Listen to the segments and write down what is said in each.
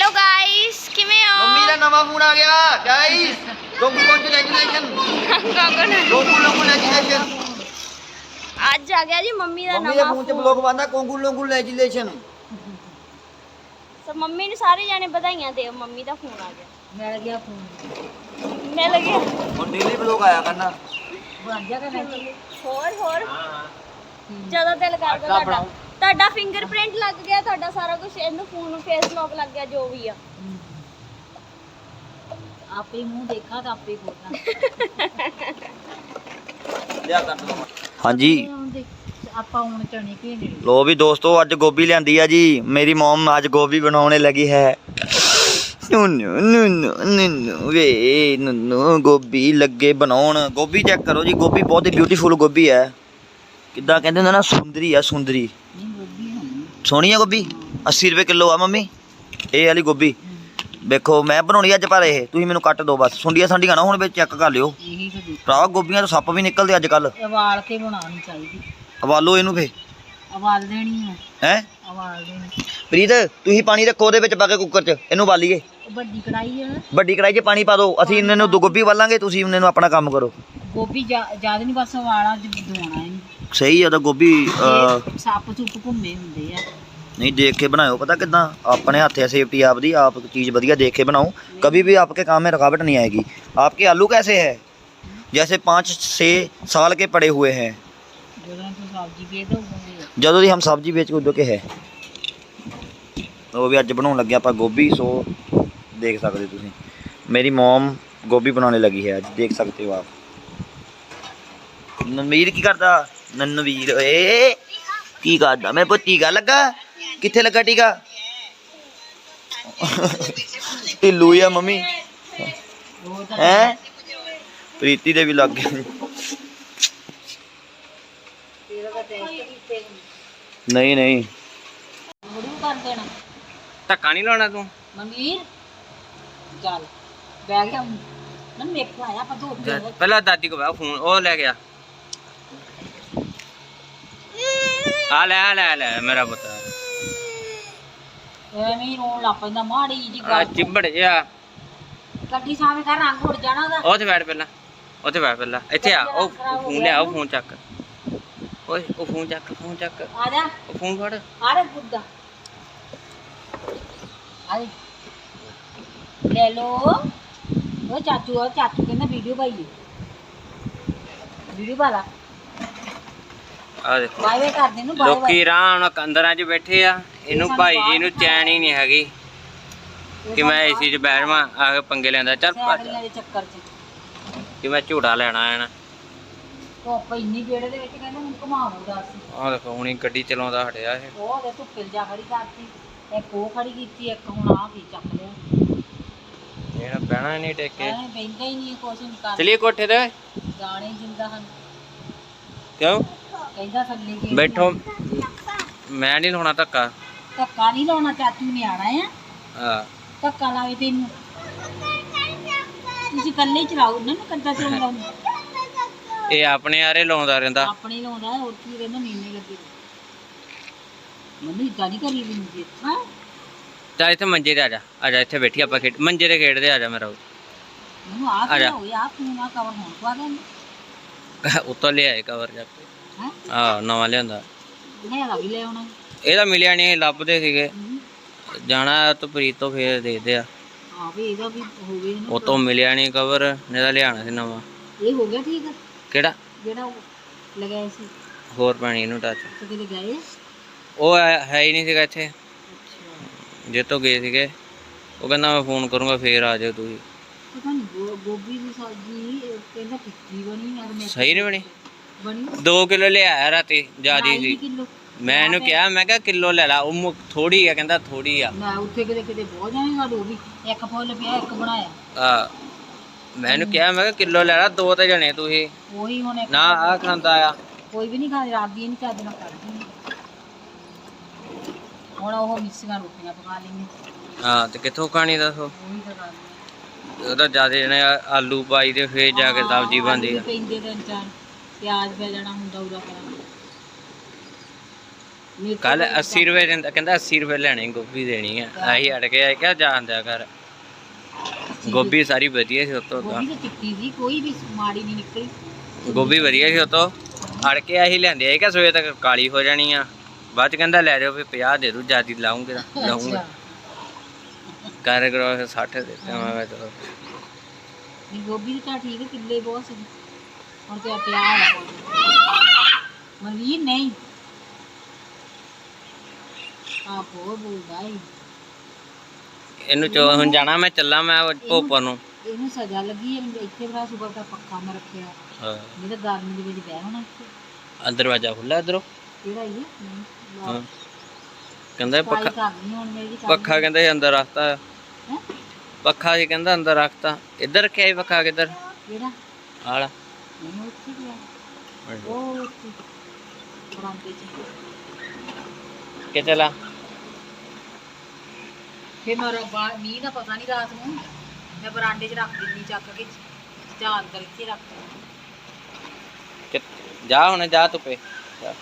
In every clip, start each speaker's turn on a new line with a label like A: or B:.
A: Guys किवें हो
B: mummy का नवा फोन आ गया गाइस गोकू कांग्रेचुलेशन
A: आज आ गया जी मम्मी का
B: मम्मी
A: नवा
B: फोन च ब्लॉग बनदा कांग्रेचुलेशन
A: तो मम्मी ने सारे जाने बधाइयां दे मम्मी का फोन आ गया मिल गया
B: हुन डेली ब्लॉग आया करना
A: बन जा करना ਹੋਰ ਜਦੋਂ ਦਿਲ ਕਰਦਾ ਤੁਹਾਡਾ ਫਿੰਗਰਪ੍ਰਿੰਟ ਲੱਗ ਗਿਆ ਤੁਹਾਡਾ ਸਾਰਾ ਕੁਝ ਇਹਨੂੰ ਫੋਨ ਨੂੰ ਫੇਸ ਲੌਕ ਲੱਗ ਗਿਆ ਜੋ ਵੀ ਆ ਆਪੇ ਮੂੰਹ ਦੇਖਾ ਤਾਂ ਆਪੇ ਖੋਲਣਾ
B: ਲਿਆ ਕਰ ਹਾਂਜੀ
A: ਆਪਾਂ ਹੁਣ ਚਣੇ ਘੇਨੇ
B: लो भी दोस्तों अज गोभी लियांदी है जी मेरी मोम अज गोभी बनाने लगी है नुनु नुनु नुनु वे नुनु गोभी लगे बनाउण गोभी चेक करो जी गोभी बहुत ही ब्यूटीफुल गोभी है किदा कहते हैं ना सुंदरी है सुंदरी सोहनी है गोभी 80 रुपए किलो आ मम्मी ये वाली गोभी देखो मैं बनानी अज पर यह तुम मैनू कट दो बस सुंडिया संडिया ना हुण चेक कर लियो भरा गोभियां तो सप्प भी निकलते अजकल
A: उबाल के बनानी चाहिए
B: उबालो इनू फे
A: उबाल देनी है उबाल देनी
B: प्रीत तुसीं पानी रखो ਉਹਦੇ ਵਿੱਚ ਪਾ ਕੇ ਕੁੱਕਰ 'ਚ ਇਹਨੂੰ ਉਬਾਲੀਏ
A: ਵੱਡੀ ਕੜਾਈ ਹੈ
B: ਵੱਡੀ ਕੜਾਈ 'ਚ ਪਾਣੀ ਪਾ ਦਿਓ ਅਸੀਂ ਇਹਨਾਂ ਨੂੰ ਦੋ ਗੋਭੀ ਉਬਾਲਾਂਗੇ ਤੁਸੀਂ ਇਹਨਾਂ ਨੂੰ ਆਪਣਾ ਕੰਮ ਕਰੋ
A: ਗੋਭੀ ਜ਼ਿਆਦਾ ਨਹੀਂ ਬਸ ਉਬਾਲਾ ਦਵਾਉਣਾ ਇਹਨੂੰ
B: ਸਹੀ ਆ ਤਾਂ ਗੋਭੀ
A: ਸੱਪ ਸੁੱਪ ਘੁੰਮੇ ਹੁੰਦੇ ਆ
B: नहीं देख के बनाओ पता कितना अपने हाथ है सेफ्टी आपदी आप चीज़ बढ़िया देख के बनाओ कभी भी आपके काम में रुकावट नहीं आएगी आपके आलू कैसे है जैसे 5-6 साल के पड़े हुए हैं ਜਦੋਂ ਦੀ हम सब्जी बेच के उदो के है वो भी अज बनाने लगे आप गोभी सो देख सकते तुसीं मेरी मोम गोभी बनाने लगी है अज देख सकते हो आप ननवीर की करता ननवीर की करता मैं पुत टीका लगा किथे लगा टीका ढिल्लू ही है मम्मी हैं प्रीति दे भी लग गए नहीं नहीं
C: धक्का नहीं लाना तू
A: मनवीर चल बैग लिया मन मेरे को आया पर दो
C: पहला दादी को फोन ओ ले गया आ ले मेरा पुत्र
A: ਐਵੇਂ ਰੋਣ ਲੱਗ ਪੈਂਦਾ ਮਾੜੀ ਜੀ
C: आ
A: ਗੱਲ
C: चिबड़ जा
A: ਗੱਡੀ ਸਾਹਮਣੇ ਕਰ ਰੰਗ ਉੱਡ ਜਾਣਾ ਉਹਦਾ
C: ਉੱਥੇ ਬੈਠ ਪਹਿਲਾਂ ਇੱਥੇ ਆ ਉਹ ਫੋਨ ਲਿਆ ਉਹ ਫੋਨ ਚੱਕ ਓਏ ਉਹ ਫੋਨ ਚੱਕ
A: ਆ ਜਾ
C: ਉਹ ਫੋਨ ਫੜ
A: ਆ ਰੇ ਬੁੱਧਾ ਆਏ ਲੈ ਲੋ ਉਹ ਚਾਚੂ ਕਹਿੰਦਾ ਵੀਡੀਓ ਪਾਈਏ ਵੀਡੀਓ ਪਾ ਲਾ
C: ਆ ਦੇਖੋ
A: ਬਾਏ ਬਾਏ ਕਰਦੇ ਨੂੰ ਬਾਏ
C: ਲੋਕੀ ਆਰਾਮ ਨਾਲ ਅੰਦਰਾਂ 'ਚ ਬੈਠੇ ਆ ਇਹਨੂੰ ਭਾਈ ਜੀ ਨੂੰ ਚੈਨ ਹੀ ਨਹੀਂ ਹੈਗੀ ਕਿ ਮੈਂ ਏਸੀ 'ਚ ਬੈਠਵਾਂ ਆ ਕੇ ਪੰਗੇ ਲੈਂਦਾ ਚੱਲ ਭੱਜ
A: ਦੇ ਚੱਕਰ 'ਚ
C: ਕਿ ਮੈਂ ਝੂੜਾ ਲੈਣਾ ਹੈ ਨਾ
A: ਧੁੱਪ ਇੰਨੀ ਵਿਹੜੇ ਦੇ ਵਿੱਚ ਕਹਿੰਦਾ ਹੁਣ ਘੁਮਾਉਂਦਾ ਸੀ
C: ਆ ਦੇਖੋ ਹੁਣੀ ਗੱਡੀ ਚਲਾਉਂਦਾ ਹਟਿਆ ਇਹ
A: ਉਹ ਦੇ ਧੁੱਪੇ ਜਾ ਖੜੀ ਕਰਤੀ ਇੱਕ ਉਹ ਖੜੀ ਕੀਤੀ ਇੱਕ ਹੁਣ ਆ ਕੀ ਚੱਕ ਲਿਆ
C: ਇਹਨੇ ਬਹਿਣਾ ਨਹੀਂ ਟੇਕੇ
A: ਐ ਬੈਂਦਾ ਹੀ ਨਹੀਂ ਕੁਛ ਨਹੀਂ ਕਰ
C: ਚਲਿਏ ਕੋਠੇ ਤੇ
A: ਗਾਣੇ ਜਿੰਦਾ ਹਨ
C: ਕਿਉਂ
A: ਕਹਿੰਦਾ ਥੱਲੇ ਕੇ
C: ਬੈਠੋ ਮੈਂ ਨਹੀਂ ਲਾਉਣਾ ਧੱਕਾ
A: ਧੱਕਾ ਨਹੀਂ ਲਾਉਣਾ ਚਾਚੂ ਨੇ ਆਣਾ ਆ
C: ਹਾਂ
A: ਧੱਕਾ ਲਾਵੇ ਤੈਨੂੰ ਤੁਸੀਂ ਇਕੱਲੇ ਚਲਾਓ ਨਾ ਕੰਦਾ ਚਲਾਉਂਦਾ
C: ਇਹ ਆਪਣੇ ਆਰੇ ਲਾਉਂਦਾ ਰਹਿੰਦਾ
A: ਆਪਣੇ ਲਾਉਂਦਾ ਹੋਰ ਕੀ ਰਹਿੰਦਾ ਮਹੀਨੇ ਲੱਗੇ ਮੰਮੀ ਗਾੜੀ ਕਰੀ ਵੀ ਨਹੀਂ ਹਾਂ
C: ਚੱਲ ਇੱਥੇ ਮੰਜੇ ਤੇ ਆ ਜਾ ਇੱਥੇ ਬੈਠੀ ਆਪਾਂ ਖੇਡ ਮੰਜੇ ਤੇ ਖੇਡਦੇ ਆ ਜਾ ਮੇਰਾ
A: ਮੈਨੂੰ ਆ ਕੀ ਹੋ ਗਿਆ ਤੂੰ ਨਾ ਕਵਰ ਹੋਣ ਪਾ ਗਿਆ
C: ਉੱਤੋਂ ਲਿਆਏ ਕਵਰ ਜਾ ਕੇ
A: ਹੈ
C: ਹਾਂ ਨਵਾਂ ਲਿਆਂਦਾ
A: ਲੈ ਲਾ ਵੀ ਲੈ ਆਉਣਾ
C: ਇਹਦਾ ਮਿਲਿਆ ਨਹੀਂ ਲੱਭਦੇ ਸੀਗੇ ਜਾਣਾ ਤਾਂ ਪ੍ਰੀਤ ਤੋਂ ਫੇਰ ਦੇਖਦੇ ਆ
A: ਹਾਂ ਵੀ ਇਹਦਾ ਵੀ ਹੋ ਗਿਆ ਨਾ
C: ਉਹ ਤੋਂ ਮਿਲਿਆ ਨਹੀਂ ਕਵਰ ਨਹੀਂ ਤਾਂ ਲਿਆਣਾ ਸੀ ਨਵਾਂ
A: ਇਹ ਹੋ ਗਿਆ ਠੀਕ
C: ਕਿਹੜਾ
A: ਜਿਹੜਾ ਉਹ ਲਗਾਇਆ ਸੀ
C: ਹੋਰ ਪਾਣੀ ਇਹਨੂੰ ਟੱਚ
A: ਤੇ ਕਿਤੇ ਗਏ
C: ਉਹ ਹੈ ਹੀ ਨਹੀਂ ਸੀਗਾ ਇੱਥੇ
A: ਅੱਛਾ
C: ਜੇ ਤੋਂ ਗਏ ਸੀਗੇ ਉਹ ਕਹਿੰਦਾ ਮੈਂ ਫੋਨ ਕਰੂੰਗਾ ਫੇਰ ਆ ਜਾਓ ਤੁਸੀਂ
A: ਪਤਾ ਨਹੀਂ ਗੋਭੀ ਦੀ ਸਬਜ਼ੀ ਕਹਿੰਦਾ ਟਿੱਕੀ ਬਣੀ ਯਾਰ ਮੈਂ
C: ਸਹੀ ਨਹੀਂ ਬਣੀ
A: ਬਣੀ
C: 2 ਕਿਲੋ ਲਿਆਇਆ ਰਾਤੀ ਜਿਆਦੀ ਸੀ
A: ਕਿਲੋ
C: ਮੈਂ ਇਹਨੂੰ ਕਿਹਾ ਮੈਂ ਕਿਹਾ ਕਿਲੋ ਲੈ ਲਾ ਉਹ ਥੋੜੀ ਆ ਕਹਿੰਦਾ ਥੋੜੀ ਆ
A: ਮੈਂ ਉੱਥੇ ਕਿਤੇ ਬਹੁਤ ਜਾਏਗਾ ਉਹ ਵੀ ਇੱਕ ਫੁੱਲ ਪਿਆ ਇੱਕ ਬਣਾਇਆ
C: ਆ ਮੈਂ ਇਹਨੂੰ ਕਿਹਾ ਮੈਂ ਕਿਹਾ ਕਿਲੋ ਲੈ ਲਾ 2 ਤੇ ਜਣੇ ਤੁਸੀਂ
A: ਉਹੀ ਹੁਣ
C: ਨਾ ਆ ਖਾਂਦਾ ਆ
A: ਕੋਈ ਵੀ ਨਹੀਂ ਖਾਂਦਾ ਰਾਤ ਦੀ ਨਹੀਂ ਚੱਜ ਨਾਲ ਕਰਦੀ ਹੁਣ ਉਹ ਮਿੱਸੀਆਂ ਰੋਟੀਆਂ ਪਕਾ ਲੈਂਦੇ
C: ਹਾਂ ਤੇ ਕਿੱਥੋਂ ਖਾਣੀ ਦੱਸੋ
A: ਉਹੀ ਤਾਂ ਗੱਲ
C: ਉਹਦਾ ਜਿਆਦਾ ਜਣੇ ਆਲੂ ਪਾਈ ਤੇ ਫੇਰ ਜਾ ਕੇ ਸਬਜ਼ੀ ਬਣਦੀ ਆ
A: ਪੈਂਦੇ ਤਿੰਨ ਚਾਰ ਪਿਆਜ਼ ਪੈ ਜਾਣਾ ਹੁੰਦਾ ਉਹਦਾ ਕਰਾਂ
C: ਕੱਲ 80 ਰੁਪਏ ਦਿੰਦਾ, ਕਹਿੰਦਾ 80 ਰੁਪਏ ਲੈਣੇ, ਗੋਭੀ ਦੇਣੀ ਆ। ਅਸੀਂ ਅੜ ਕੇ ਆਏ ਕਿਹਾ ਜਾਣ ਦਿਆ ਕਰ। ਗੋਭੀ ਸਾਰੀ ਵਧੀਆ ਸੀ ਉਤੋਂ,
D: ਗੋਭੀ ਤਾਂ ਚਿੱਟੀ ਸੀ, ਕੋਈ ਵੀ ਮਾੜੀ ਨਹੀਂ ਨਿਕਲੀ।
C: ਗੋਭੀ ਵਧੀਆ ਸੀ ਉਤੋਂ। ਅੜ ਕੇ ਅਸੀਂ ਲੈਂਦੇ ਆਏ ਕਿ ਸਵੇਰ ਤੱਕ ਕਾਲੀ ਹੋ ਜਾਣੀ ਆ। ਬਾਅਦ ਚ ਕਹਿੰਦਾ ਲੈ ਜਾਓ, ਵੀ 50 ਦੇ ਦੂ, ਜਿਆਦੀ ਲਾਉਂਗੇ ਲਾਉਂਗੇ ਕਰ ਕਰੋ 60 ਦਿੱਤੇ। ਮੈਂ ਕਿਹਾ ਚਲੋ
D: ਨਹੀਂ ਗੋਭੀ ਤਾਂ ਠੀਕ ਹੈ, ਕਿੱਲੇ ਬਹੁਤ ਸੀ। ਹੁਣ ਤੇ ਪਿਆਰ ਮਨਵੀਰ ਨਹੀਂ ਆਪ ਹੋਰ ਬੋਲਦਾ ਈ।
C: ਇਹਨੂੰ ਹੁਣ ਜਾਣਾ, ਮੈਂ ਚੱਲਾਂ ਮੈਂ ਭੋਪਾ ਨੂੰ।
D: ਇਹਨੂੰ ਸਜ਼ਾ ਲੱਗੀ ਹੈ, ਇੱਥੇ ਬੜਾ ਸੁਬਹ ਦਾ ਪੱਖਾ ਮੈਂ ਰੱਖਿਆ।
C: ਹਾਂ
D: ਨਹੀਂ ਤਾਂ ਗਰਮੀ ਦੇ ਵਿੱਚ ਬਹਿ ਹੋਣਾ ਇੱਥੇ।
C: ਦਰਵਾਜ਼ਾ ਖੁੱਲਾ ਇਧਰੋਂ।
D: ਕਿਹੜਾ ਇਹ
C: ਹਾਂ ਕਹਿੰਦਾ ਪੱਖਾ,
D: ਕਰਨੀ ਹੁਣ ਮੇਰੀ
C: ਪੱਖਾ ਕਹਿੰਦਾ ਸੀ ਅੰਦਰ ਰੱਖਤਾ।
D: ਹੈ
C: ਪੱਖਾ ਸੀ ਕਹਿੰਦਾ ਅੰਦਰ ਰੱਖਤਾ। ਇੱਧਰ ਰੱਖਿਆ ਸੀ ਪੱਖਾ, ਕਿੱਧਰ
D: ਕਿਹੜਾ
C: ਆਲਾ?
D: ਨਹੀਂ ਉੱਥੇ ਗਿਆ ਉਹ ਉੱਥੇ ਬਰਾਂਡੇ 'ਚ।
C: ਕਿ ਚਲਾ
D: ਫਿਰ ਮੈਂ ਮੀਂਹ ਦਾ ਪਤਾ ਨਹੀਂ, ਰਾਤ ਨੂੰ ਮੈਂ ਬਰਾਂਡੇ 'ਚ ਰੱਖ ਦਿੰਦੀ ਚੱਕ ਕੇ, ਜਾਂ ਅੰਦਰ ਇੱਥੇ ਰੱਖ ਦਿੰਦੀ।
C: ਜਾ ਹੁਣ, ਜਾ ਧੁੱਪੇ ਜਾ।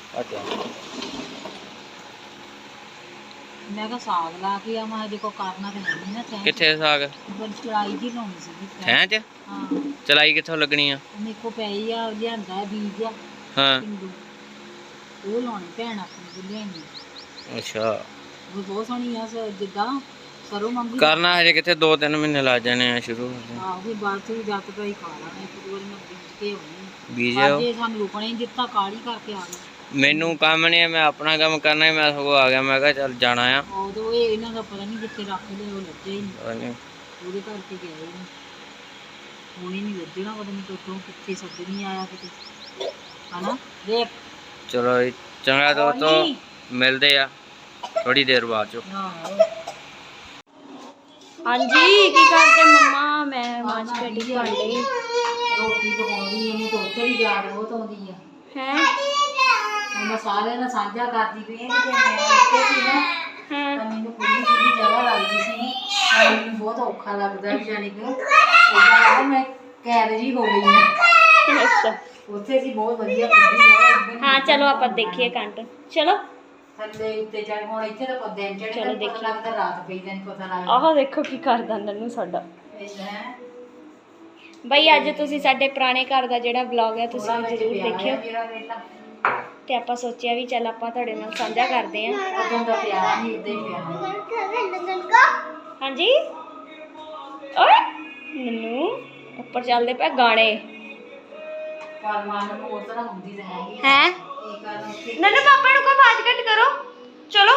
D: ਮੈਂ ਕਿਹਾ ਸਾਗ ਲਾ ਕੇ ਆ, ਮੈਂ ਜੇ ਕੋ ਕਰਨਾ ਤੇ ਨਹੀਂ ਨਾ ਚਾਹੀਦਾ।
C: ਕਿੱਥੇ ਸਾਗ?
D: ਚੜਾਈ ਜੀ ਲਾਉਣੀ ਸੀ
C: ਹੈਂ ਚ
D: ਹਾਂ।
C: ਚਲਾਈ ਕਿੱਥੋਂ ਲੱਗਣੀ ਆ?
D: ਮੇਰੇ ਕੋ ਪਈ ਆ, ਲਿਆਂਦਾ ਹੈ ਬੀਜ ਆ
C: ਹਾਂ
D: ਪਿੰਡੂ, ਉਹ ਲਾਉਣੀ ਭੈਣ ਆਪਣੀ ਨੂੰ ਲਿਆਈ।
C: ਅੱਛਾ,
D: ਉਹ ਬਹੁਤ ਸੋਹਣੀ ਆ, ਜਿੱਦਾਂ ਸਰੋਂ ਮੰਗੀ
C: ਕਰਨਾ ਹਜੇ ਕਿੱਥੇ, 2-3 ਮਹੀਨੇ ਲੱਗ ਜਾਣੇ ਆ ਸ਼ੁਰੂ।
D: ਆਹ ਵੀ ਬਾਅਦ ਚ ਜੱਤ ਪਈ ਖਾ ਲੈਣਾ, ਇੱਕ ਦੋ ਵਾਰੀ ਮੈਂ ਬੀਜ ਕੇ ਆਉਣੀ।
C: ਬੀਜ
D: ਅੱਜ ਇਹ ਸਾਨੂੰ ਰੁਕਣਾ ਹੀ ਦਿੱਤਾ, ਕਾਲੀ ਕਰਕੇ ਆ ਗਏ।
C: ਮੈਨੂੰ ਕੰਮ ਨਹੀਂ, ਮੈਂ ਆਪਣਾ ਕੰਮ ਕਰਨਾ ਹੀ। ਮੈਂ ਸਗੋਂ ਆ ਗਿਆ, ਮੈਂ ਕਿਹਾ ਚੱਲ ਜਾਣਾ ਆ।
D: ਉਦੋਂ ਇਹ ਇਹਨਾਂ ਦਾ ਪਤਾ ਨਹੀਂ ਜਿੱਥੇ ਰੱਖ ਲਏ, ਉਹ ਲੱਗੇ ਹੀ ਨਹੀਂ, ਉਹਦੇ ਕਰਕੇ ਗਏ ਹੀ ਨਹੀਂ। ਹੁਣ ਹੀ ਨਹੀਂ ਲੱਜਣਾ, ਪਤਾ ਨਹੀਂ ਕਿੱਥੋਂ ਕਿੱਥੇ ਸੱਜ ਨਹੀਂ ਆਇਆ ਕਿਤੇ, ਹਨਾ ਦੇਖ।
C: ਚਲੋ ਜੀ, ਚੰਗਾ ਦੋਸਤੋ, ਮਿਲਦੇ ਆ ਥੋੜੀ ਦੇਰ ਬਾਅਦ ਚ।
A: ਹਾਂਜੀ ਕੀ ਕਰਦੇ ਮੰਮਾ? ਮੈਂ ਮਾਂਜ ਕੇ ਟੀ ਭਾਂਡੇ।
D: ਰੋਟੀ ਪਕਾਉਂਦੀ ਇਹਨੂੰ ਤਾਂ ਉੱਥੇ ਵੀ ਯਾਦ ਬਹੁਤ ਆਉਂਦੀ ਆ।
A: ਹੈ
D: ਮੈਂ ਸਾਰਿਆਂ ਨਾਲ ਸਾਂਝਾ ਕਰਦੀ ਪਈ ਹਾਂ ਕਿ ਮੈਂ ਇੱਥੇ ਸੀ ਨਾ, ਤਾਂ ਮੈਨੂੰ ਖੁੱਲੀ ਖੁੱਲੀ ਜਗ੍ਹਾ ਲੱਗਦੀ ਸੀ, ਤਾਂ ਮੈਨੂੰ ਬਹੁਤ ਔਖਾ ਲੱਗਦਾ ਵੀ, ਜਾਣੀ ਕਿ ਉਦਾਂ ਮੈਂ ਕੈਦ ਜੀ ਹੋ ਗਈ ਹਾਂ।
A: ਅੱਛਾ
D: ਉੱਥੇ ਸੀ ਬਹੁਤ ਵਧੀਆ ਖੁੱਲੀ ਜਗ੍ਹਾ।
A: ਹਾਂ ਚਲੋ ਆਪਾਂ ਦੇਖੀਏ ਕੰਟ। ਚਲੋ
D: ਥੱਲੇ ਉੱਤੇ ਚੜ, ਹੁਣ ਇੱਥੇ ਤਾਂ ਦਿਨ ਚੜ੍ਹੇ ਦਾ ਪਤਾ ਲੱਗਦਾ, ਰਾਤ ਪਈ ਦਾ ਨਹੀਂ ਪਤਾ ਲੱਗਦਾ।
A: ਆਹ ਦੇਖੋ ਕੀ ਕਰਦਾ ਨੰਨੂ ਸਾਡਾ।
D: ਹੈ
A: ਬਈ ਅੱਜ ਤੁਸੀਂ ਸਾਡੇ ਪੁਰਾਣੇ ਘਰ ਦਾ ਜਿਹੜਾ ਵਲੌਗ ਹੈ ਤੁਸੀਂ ਜ਼ਰੂਰ ਦੇਖਿਓ,
D: ਮੇਰਾ ਬੇਟਾ
A: ਤੇ ਆਪਾਂ ਸੋਚਿਆ ਵੀ ਚੱਲ ਆਪਾਂ ਤੁਹਾਡੇ ਨਾਲ ਸਾਂਝਾ ਕਰਦੇ ਆਂ।
D: ਉਦੋਂ ਦਾ ਪਿਆਰ ਨਹੀਂ, ਇੱਦਾਂ ਹੀ ਪਿਆਰ।
A: ਹਾਂਜੀ ਓਏ ਨੰਨੂ ਉੱਪਰ ਚੱਲਦੇ ਪਏ ਗਾਣੇ।
D: ਪਰ ਮਨ ਨੂੰ ਉਸ ਤਰ੍ਹਾਂ ਹੁੰਦੀ ਤਾਂ ਹੈਗੀ
A: ਹੈ
D: ਇਹ ਕਾਰਨ ਉੱਥੇ
A: ਨੰਨੂ ਪਾਪਾ ਨੂੰ ਕੋਈ ਆਵਾਜ਼ ਘੱਟ ਕਰੋ। ਚਲੋ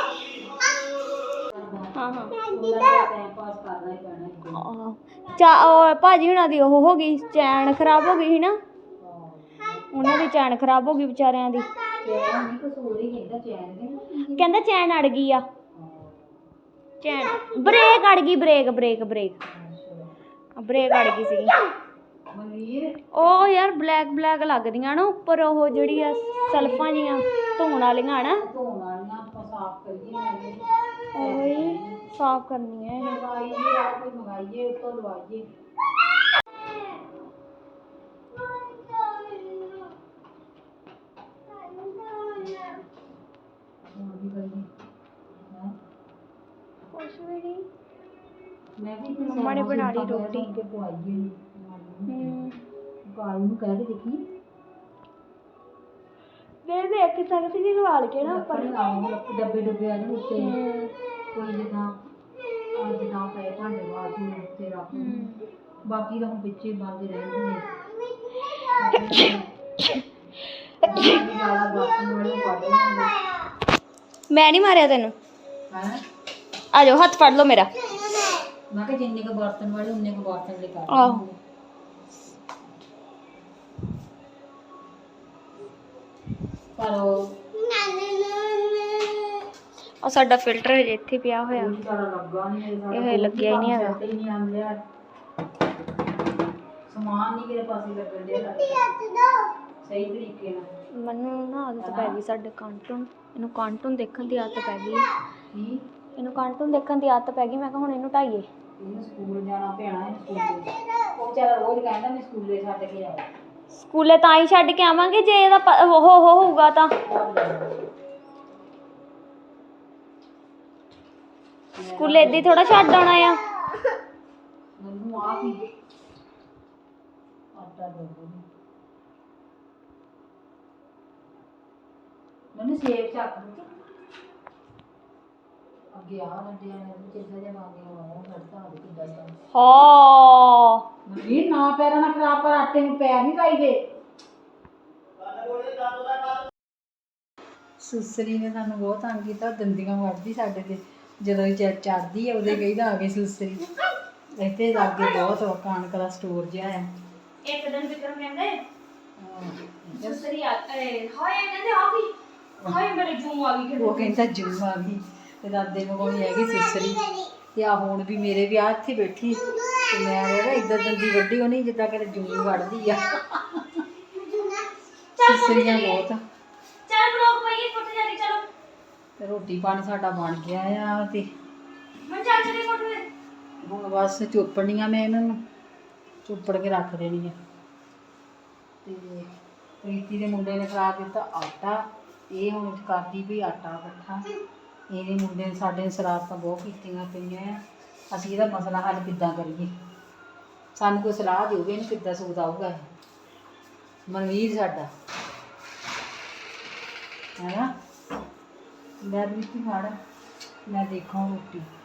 A: ਹਾਂ ਹਾਂ
D: ਟਾਈਮ ਪਾਸ ਕਰਨਾ ਹੀ ਪੈਣਾ।
A: ਉਹ ਭਾਜੀ ਹੁਣਾਂ ਦੀ ਉਹ ਹੋ ਗਈ, ਚੈਨ ਖਰਾਬ ਹੋ ਗਈ ਸੀ ਨਾ, ਉਹਨਾਂ ਦੀ ਚੈਨ ਖਰਾਬ ਹੋ ਗਈ ਵਿਚਾਰਿਆਂ ਦੀ। ਕਹਿੰਦਾ ਚੈਨ ਅੜ ਗਈ ਆ, ਚੈਨ ਬ੍ਰੇਕ ਅੜ ਗਈ, ਬ੍ਰੇਕ ਬ੍ਰੇਕ ਬ੍ਰੇਕ ਬ੍ਰੇਕ ਅੜ ਗਈ ਸੀਗੀ। ਉਹ ਯਾਰ ਬਲੈਕ ਬਲੈਕ ਲੱਗਦੀਆਂ ਨਾ ਉੱਪਰ, ਉਹ ਜਿਹੜੀ ਆ ਸਲਫਾਂ ਜੀਆਂ ਧੋਣ ਵਾਲੀਆਂ ਨਾ, ਉਹੀ ਸਾਫ਼ ਕਰਨੀ ਹੈ ਇਹ। ਮੰਮਾ ਨੇ ਬਣਾ ਲਈ ਰੋਟੀ। ਦੇਖ ਸਕਦੀ ਜੀ ਲਵਾਲ ਕੇ ਨਾ ਉੱਪਰ
D: ਡੱਬੇ ਡੁੱਬੇ ਆ ਨੇ ਉੱਤੇ, ਕੋਈ ਜਿੱਦਾਂ ਜਿੱਦਾਂ ਪਏ ਭਾਂਡੇ ਬਾਥਰੂਮ ਉੱਤੇ ਰੱਖ, ਬਾਕੀ ਤਾਂ ਹੁਣ ਪਿੱਛੇ ਬੰਦ ਰਹਿੰਦੇ ਨੇ।
A: ਮੈਂ ਨਹੀਂ ਮਾਰਿਆ ਤੈਨੂੰ, ਆ ਜਾਓ ਹੱਥ ਫੜ ਲਓ ਮੇਰਾ।
D: ਮੈਂ ਕਿਹਾ ਜਿੰਨੇ ਕੁ ਬਰਤਨ ਵਾਲੇ ਉਨੇ ਕੁ ਬਰਤਨ ਲੈ ਕਰ।
A: ਆਹੋ
D: ਪਰ ਉਹ
A: ਆ ਸਾਡਾ ਫਿਲਟਰ ਹਜੇ ਇੱਥੇ ਪਿਆ ਹੋਇਆ,
D: ਲੱਗਾ ਨਹੀਂ,
A: ਇਹ ਲੱਗਿਆ ਹੀ ਨਹੀਂ ਹੈਗਾ।
D: ਸਮਾਨ ਨਹੀਂ ਕਿਤੇ ਪਾਸੇ ਲੱਗਣ ਡਿਆ ਸਹੀ ਤਰੀਕੇ ਨਾਲ।
A: ਮੈਨੂੰ ਨਾ ਆਦਤ ਪੈ ਗਈ ਸਾਡੇ ਕਾਰਟੂਨ, ਇਹਨੂੰ ਕਾਰਟੂਨ ਦੇਖਣ ਦੀ ਆਦਤ ਪੈ ਗਈ। ਇਹਨੂੰ ਕਾਰਟੂਨ ਦੇਖਣ ਦੀ ਆਦਤ ਪੈ ਗਈ। ਮੈਂ ਕਿਹਾ ਹੁਣ ਇਹਨੂੰ ਢਾਈਏ।
D: ਇਹਨੂੰ ਸਕੂਲ ਜਾਣਾ ਪੈਣਾ, ਸਕੂਲ ਉਹ ਵਿਚਾਰਾ ਰੋਜ਼ ਕਹਿੰਦਾ ਮੈਂ ਸਕੂਲੇ ਛੱਡ ਕੇ ਆਇਆ।
A: ਸਕੂਲੇ ਤਾਂ ਹੀ ਛੱਡ ਕੇ ਆਵਾਂਗੇ ਜੇ ਇਹਦਾ ਉਹ ਹੋਊਗਾ ਤਾਂ। ਸਕੂਲੇ ਏਦਾਂ ਹੀ ਥੋੜਾ ਛੱਡ ਆਉਣਾ ਆ।
D: ਮੈਨੂੰ ਆਪ ਹੀ ਆਟਾ ਦੇ ਦੋ ਮੈਨੂੰ ਸੇਬ ਚੱਕ ਦੋ ਅੱਗੇ ਆ ਲੱਡਿਆ ਨੇ ਕਿੱਦਾਂ ਦੇ ਮਾਂਗੇ ਹੋਇਆ ਘੜਤਾ ਦੇ ਕਿੱਦਾਂ ਦਾ
A: ਹਾਂ
D: ਮਨਵੀਰ ਨਾ ਪੈਰਾਂ ਨਾਲ ਖਰਾਬ ਕਰ ਆਟੇ ਨੂੰ ਪੈਰ ਨਹੀਂ ਲਾਈਦੇ ਸੁਸਰੀ ਨੇ ਸਾਨੂੰ ਬਹੁਤ ਤੰਗ ਕੀਤਾ ਦੰਦੀਆਂ ਵੱਢਦੀ ਸਾਡੇ ਤੇ ਜਦੋਂ ਚੜਦੀ ਆ ਉਹਦੇ ਕਹੀਦਾ ਆ ਗਈ ਸੁਸਰੀ ਇੱਥੇ ਲਾਗੇ ਬਹੁਤ ਕਣਕ ਦਾ ਸਟੋਰ ਜਿਹਾ ਆ
A: ਇੱਕ ਦਿਨ ਵਿਕਰਮ ਕਹਿੰਦੇ ਦੂਸਰੀ ਹਾਏ ਕਹਿੰਦੇ ਆ ਗਈ ਹਾਏ ਮੇਰੇ ਜੂਮ ਆ ਗਈ
D: ਉਹ ਕਹਿੰਦਾ ਜੂ ਆ ਗਈ ਤੇ ਦਾਦੇ ਨੂੰ ਕੋਲ ਹੈਗੀ ਸੁਸਰੀ ਤੇ ਆ ਹੁਣ ਵੀ ਮੇਰੇ ਵਿਆਹ ਇੱਥੇ ਬੈਠੀ ਤੇ ਮੈਂ ਕਹਿੰਦਾ ਇੱਧਰ ਦੰਦੀ ਵੱਡੀ ਹੋਣੀ ਜਿੱਦਾਂ ਕਿ ਜੂ ਵੱਢਦੀ ਆ ਸੁਸਰੀਆਂ ਬਹੁਤ
A: ਚੱਲ ਬਲੌਗ ਪਾਈਏ ਫੁੱਟ ਜਾਣੀ ਚਲੋ
D: ਤੇ ਰੋਟੀ ਪਾਣੀ ਸਾਡਾ ਬਣ ਗਿਆ ਆ ਤੇ
A: ਮੈਂ ਚੱਲ ਚਲੀ ਫੁੱਟ ਦੇ
D: ਹੁਣ ਬਸ ਚੋਪੜਨੀਆਂ ਮੈਂ ਇਹਨਾਂ ਨੂੰ ਚੋਪੜ ਕੇ ਰੱਖ ਦੇਣੀ ਆ ਤੇ ਪ੍ਰੀਤੀ ਦੇ ਮੁੰਡੇ ਨੇ ਖਾ ਦਿੱਤਾ ਆਟਾ ਇਹ ਹੁਣ ਕਰਦੀ ਵੀ ਆਟਾ ਇਕੱਠਾ ਇਹਦੇ ਮੁੰਡੇ ਨੇ ਸਾਡੇ ਨੇ ਸ਼ਰਾਰਤਾਂ ਬਹੁਤ ਕੀਤੀਆਂ ਪਈਆਂ ਆ ਅਸੀਂ ਇਹਦਾ ਮਸਲਾ ਹੱਲ ਕਿੱਦਾਂ ਕਰੀਏ ਸਾਨੂੰ ਕੋਈ ਸਲਾਹ ਦਿਓਗੇ ਇਹਨੂੰ ਕਿੱਦਾਂ ਸੂਤ ਆਊਗਾ ਇਹ ਮਨਵੀਰ ਸਾਡਾ ਹੈ ਨਾ ਮੈਂ ਵੀ ਫੜ ਮੈਂ ਦੇਖਾਂ ਰੋਟੀ